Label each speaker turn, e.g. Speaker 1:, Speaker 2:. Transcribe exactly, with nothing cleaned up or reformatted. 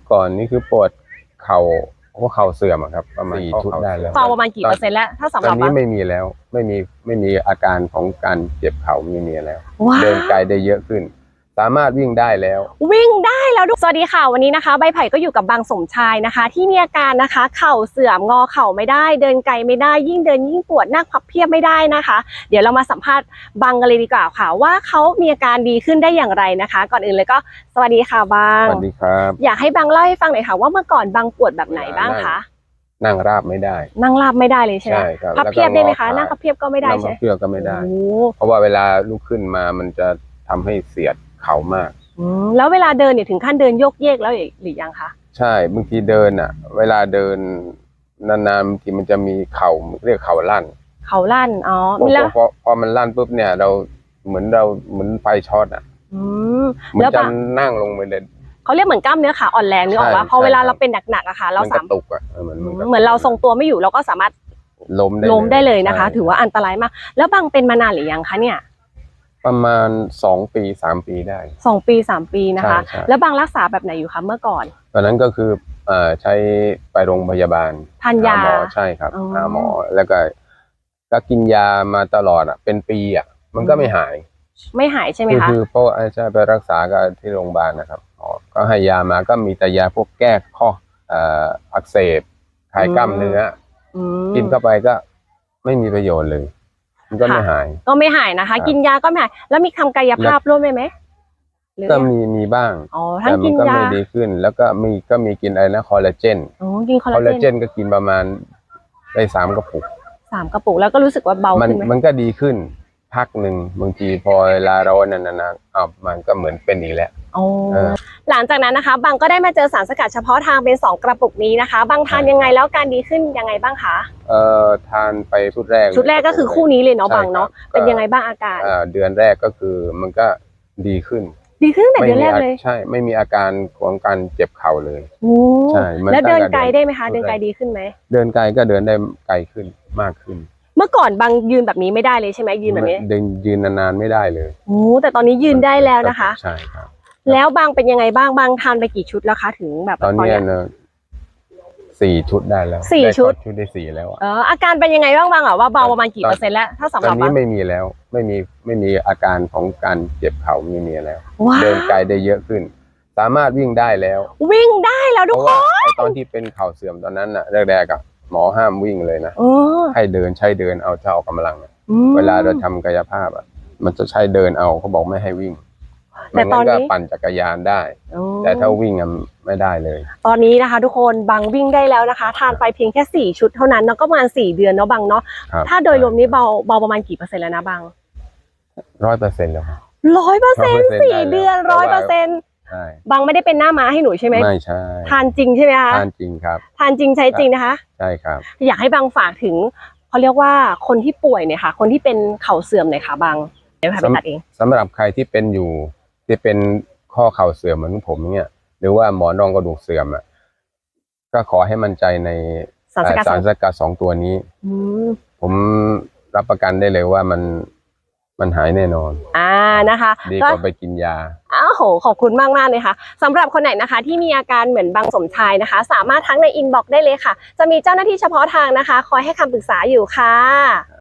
Speaker 1: ก่อนนี่คือปวดเข่าหัวเข่าเสื่อมครับประมาณสี่ชุดได้แล้ว
Speaker 2: เบาประมาณกี่เปอร์เซ็นต์แล้วถ้าสำหรับ
Speaker 1: ตอนนี้ไม่มีแล้วไม่มีไม่มีอาการของการเจ็บเข่าไม่มีแล้วเดินไกลได้เยอะขึ้นสามารถวิ่งได้แล้ว
Speaker 2: วิ่งได้แล้วสวัสดีค่ะวันนี้นะคะใบไผ่ก็อยู่กับบางสมชายนะคะที่มีอาการนะคะเข่าเสื่อมงอเข่าไม่ได้เดินไกลไม่ได้ยิ่งเดินยิ่งปวดนั่งพับเพียบไม่ได้นะคะเดี๋ยวเรามาสัมภาษณ์บางกันเลยดีกว่าค่ะว่าเขามีอาการดีขึ้นได้อย่างไรนะคะก่อนอื่นเลยก็สวัสดีค่ะบาง
Speaker 1: สวัสดีครับ
Speaker 2: อยากให้บางเล่าให้ฟังหน่อยค่ะว่าเมื่อก่อนบางปวดแบบไหนบ้างคะ
Speaker 1: นั่งราบไม่ได้
Speaker 2: นั่งราบไม่ได้เลยใช่ไหมพับเพียบได้ไหมคะนั่งพับเพียบก็ไม่ได้ใช่ไหม
Speaker 1: พับเพียบก็ไม่ได้เพราะว่าเวลาลุกขึ้นมามันจะทำให้เสียดเข่ามาก
Speaker 2: แล้วเวลาเดินเนี่ยถึงขั้นเดินโยกเยกแล้วหรือยังคะ
Speaker 1: ใช่บางทีเดินอ่ะเวลาเดินนานๆบางทีมันจะมีเข่าเรียกเข่าลั่น
Speaker 2: เข่าลั่นอ๋อ
Speaker 1: แล้วพอพอมันลั่นปุ๊บเนี่ยเราเหมือนเราเหมือนไฟช็อตอ่ะเหมือนจะนั่งลงไปเลย
Speaker 2: เขาเรียกเหมือนกล้ามเนื้อขาอ่อนแรงนึกออกว่าพอเวลาเราเป็นหนักๆอะค่ะเราสามารถ
Speaker 1: ตุกอ่ะเหมือน
Speaker 2: เหมือนเราทรงตัวไม่อยู่เราก็สามารถ
Speaker 1: ล้มได้
Speaker 2: ล้มได้เลยนะคะถือว่าอันตรายมากแล้วบางเป็นมานานหรือยังคะเนี่ย
Speaker 1: ประมาณสองปีสามปีได้
Speaker 2: สองปีสามปีนะคะแล้วบางรักษาแบบไหนอยู่คะเมื่อก่อน
Speaker 1: ตอนนั้นก็คือใช้ไปโรงพยาบาล
Speaker 2: ทานยา
Speaker 1: หมอใช่ครับหาหมอแล้วก็ก็กินยามาตลอดอ่ะเป็นปีอ่ะมันก็ไม่หาย
Speaker 2: ไม่หายใช่ไหมคะ
Speaker 1: คือเพราะอาจารย์ไปรักษากันที่โรงพยาบาลนะครับก็ให้ยามาก็มีแต่ยาพวกแก้ข้ออักเสบคลายกล้ามเนื้อกินเข้าไปก็ไม่มีประโยชน์เลยมันก็ไม่หาย
Speaker 2: ก็ไม่หายนะคะกินยาก็ไม่หายแล้วมีทำกายภาพร่วมไหมไหม
Speaker 1: ก็มีมีบ้าง
Speaker 2: แต่มัน
Speaker 1: ก็ไม่ดีขึ้นแล้วก็มีก็มีกินอะไรนะคอลลาเจน
Speaker 2: กินคอล
Speaker 1: ลาเจนก็กินประมาณได้สามกระปุก
Speaker 2: สามกระปุกแล้วก็รู้สึกว่าเบาขึ้นไหม
Speaker 1: มันก็ดีขึ้นพักหนึ่งบางทีพอเวลาเรานานๆอ่ะมันก็เหมือนเป็นอีกแล้ว
Speaker 2: หลังจากนั้นนะคะบางก็ได้มาเจอสารสกัดเฉพาะทางเป็นสองกระปุกนี้นะคะบางทานยังไงแล้วการดีขึ้นยังไงบ้างคะ
Speaker 1: เอ่อทานไปชุดแรก
Speaker 2: ชุดแรกก็คือคู่นี้เลยเนาะบางเนาะเป็นยังไงบ้างอาการ
Speaker 1: เดือนแรกก็คือมันก็ดีขึ้น
Speaker 2: ดีขึ้นแต่เดือนแรกเลย
Speaker 1: ใช่ไม่มีอาการของการเจ็บเข่าเลย
Speaker 2: ใช่แล้วเดินไกลได้ไหมคะเดินไกลดีขึ้นไหม
Speaker 1: เดินไกลก็เดินได้ไกลขึ้นมากขึ้น
Speaker 2: เมื่อก่อนบางยืนแบบนี้ไม่ได้เลยใช่ไหมยืนแบบนี้
Speaker 1: เดินยืนนานๆไม่ได้เลย
Speaker 2: โอ้แต่ตอนนี้ยืนได้แล้วนะคะ
Speaker 1: ใช่ครับ
Speaker 2: แล้วบางเป็นยังไงบ้างบางทานไปกี่ชุดแล้วคะถึงแบบ
Speaker 1: ตอนนี้เนอะสี่ชุดได้แล้ว
Speaker 2: สี่ชุด
Speaker 1: ชุดได้สี่แล้ว
Speaker 2: เอออาการเป็นยังไงบ้างบางอ่ะว่าเบาประมาณกี่เปอร์เซ็นต์แล้วถ้าสำหรับ
Speaker 1: ตอนนี้ไม่มีแล้วไม่มีไม่มีอาการของการเจ็บเข่าไม่มีแล้วเดินไกลได้เยอะขึ้นสามารถวิ่งได้แล้ว
Speaker 2: วิ่งได้แล้วทุกคน
Speaker 1: ไอตอนที่เป็นเข่าเสื่อมตอนนั้นน่ะแรกๆอ่ะหมอห้ามวิ่งเลยนะให้เดินใช้เดินเอาเท่ากำลังเวลาเราทำกายภาพอ่ะมันจะใช้เดินเอาเขาบอกไม่ให้วิ่งแต่ตอนนี้ปั่นจักรยานได้แต่ถ้าวิ่งไม่ได้เลย
Speaker 2: ตอนนี้นะคะทุกคนบางวิ่งได้แล้วนะคะทานไปเพียงแค่สี่ชุดเท่านั้นแล้วก็ประมาณสี่เดือนเนาะบางเนาะถ้าโดยรวมนี้เบาเบาประมาณกี่เปอร์เซ็นต์แล้วนะบาง
Speaker 1: ร้อยเปอร์เซ็นต์แล้ว
Speaker 2: ร้อยเปอร์เซ็นต์สี่เดือนร้อยเปอร์เซ็นต์บางไม่ได้เป็นหน้าม้าให้หนูใช่ไหม
Speaker 1: ไม่ใช่
Speaker 2: ทานจริงใช่ไหมคะ
Speaker 1: ทานจริงครับ
Speaker 2: ทานจริงใช้จริงนะคะ
Speaker 1: ใช่ครับ
Speaker 2: อยากให้บางฝากถึงเขาเรียกว่าคนที่ป่วยเนี่ยค่ะคนที่เป็นเข่าเสื่อมเนี่ยค่ะบางเดี๋ยวไปตัดเอง
Speaker 1: สำหรับใครที่เป็นอยู่ที่เป็นข้อเข่าเสื่อมเหมือนผมเนี่ยหรือว่าหมอนรองกระดูกเสื่อมอ่ะก็ขอให้มั่นใจในสารสกัดสองตัวนี้ผมรับประกันได้เลยว่ามันมันหายแน่นอน
Speaker 2: อ่านะคะ
Speaker 1: ดีกว่าไปกินยา
Speaker 2: อ้าวโหขอบคุณมากมากเลยค่ะสำหรับคนไหนนะคะที่มีอาการเหมือนบางสมชายนะคะสามารถทักในอินบ็อกซ์ได้เลยค่ะจะมีเจ้าหน้าที่เฉพาะทางนะคะคอยให้คำปรึกษาอยู่ค่ะ